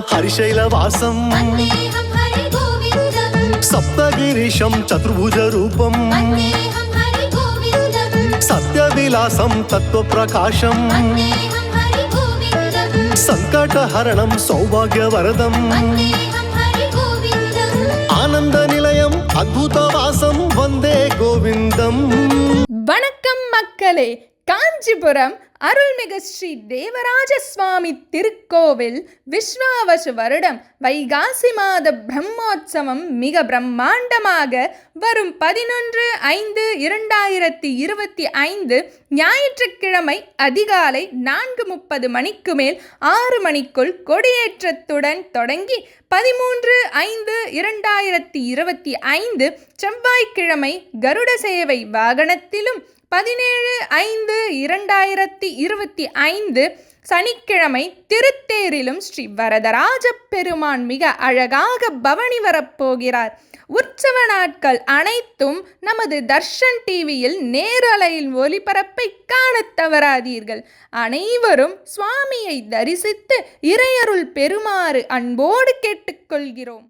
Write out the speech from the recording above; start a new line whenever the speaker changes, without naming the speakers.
हरिशैलवासं सप्तगिरीशं चतुर्भुजरूपं सत्यविलासं तत्त्वप्रकाशं सङ्कटहरणं सौभाग्यवरदम् आनन्दनिलयम् अद्भुतवासं वन्दे गोविन्दम्.
வணக்கம் மக்களே. காஞ்சிபுரம் அருள்மிகு ஸ்ரீ தேவராஜ சுவாமி திருக்கோவில் விஸ்வாவசு வருடம் வைகாசி மாத பிரம்மோற்சவம் மிக பிரம்மாண்டமாக வரும் 11/5/2025 ஞாயிற்றுக்கிழமை அதிகாலை 4:30 மணிக்கு மேல் 6 மணிக்குள் கொடியேற்றத்துடன் தொடங்கி 13/5/2025 செவ்வாய்க்கிழமை கருட சேவை வாகனத்திலும் 17/5/2025 சனிக்கிழமை திருத்தேரிலும் ஸ்ரீ வரதராஜ பெருமான் மிக அழகாக பவனி வரப்போகிறார். உற்சவ நாட்கள் அனைத்தும் நமது தர்ஷன் டிவியில் நேரலையில் ஒளிபரப்பை காணத் தவறாதீர்கள். அனைவரும் சுவாமியை தரிசித்து இறையருள் பெறுமாறு அன்போடு கேட்டுக்கொள்கிறோம்.